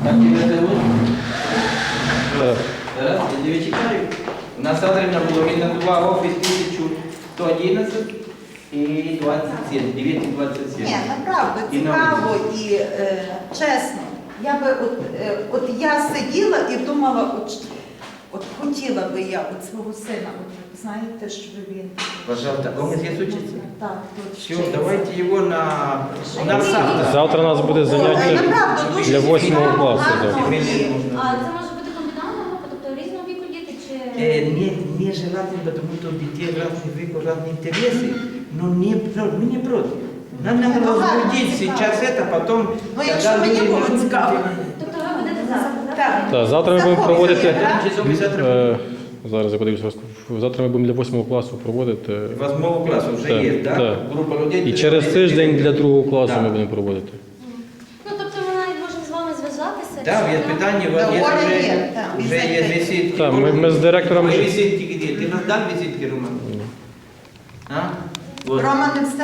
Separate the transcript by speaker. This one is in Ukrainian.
Speaker 1: Как тебя зовут? Тарас, я тебе читаю. У нас завтра на Булавина 2, офис 1111 и 27, 9 и 27.
Speaker 2: Ні, направду, цікаво і чесно. Я би от я сиділа і думала, от хотіла би я от свого сина, от знаєте, щоб він...
Speaker 1: Пожалуйста, он здесь учится?
Speaker 2: Так, тут
Speaker 1: Все,
Speaker 2: вчиться.
Speaker 1: давайте его на завтра.
Speaker 3: Завтра у нас буде заняття
Speaker 2: Направду, дуже
Speaker 3: для 8
Speaker 2: цікаво,
Speaker 3: класу.
Speaker 2: гарно
Speaker 3: да.
Speaker 2: і-
Speaker 4: А це може бути комбінальна група, тобто різного віку діти чи...
Speaker 1: Нежелательно, потому что у детей разный век, разные интересы, но мы не против. Нам надо
Speaker 2: Ну, ладно,
Speaker 1: возбудить
Speaker 2: цікаво.
Speaker 1: сейчас это, потом...
Speaker 2: Ну, якщо мені було цікаво.
Speaker 4: Тобто ви будете завтра,
Speaker 2: Так.
Speaker 3: Так, завтра ми будемо
Speaker 2: Заходимо,
Speaker 3: проводити.
Speaker 2: так?
Speaker 1: Часов и завтра.
Speaker 3: Зараз я подивлюся. Завтра ми будемо для 8 класу проводити.
Speaker 1: 8 класса уже
Speaker 3: Так,
Speaker 1: есть, да?
Speaker 3: так.
Speaker 1: Группа людей.
Speaker 3: І через тиждень для 2 класу
Speaker 1: Так.
Speaker 3: ми будемо проводити.
Speaker 4: Ну, тобто ми навіть можемо з вами зв'язатися.
Speaker 1: Да,
Speaker 4: чи
Speaker 1: есть
Speaker 4: нам-
Speaker 1: питание,
Speaker 2: Да,
Speaker 1: вот
Speaker 2: Оля
Speaker 1: есть
Speaker 2: є,
Speaker 1: уже,
Speaker 2: так,
Speaker 1: уже
Speaker 2: візитки.
Speaker 1: есть визитки.
Speaker 3: Так, ми з директором
Speaker 1: Твои
Speaker 3: вже-
Speaker 1: визитки где? Ты раздал визитки, Роман? А? Вот.
Speaker 2: Рома не встиг.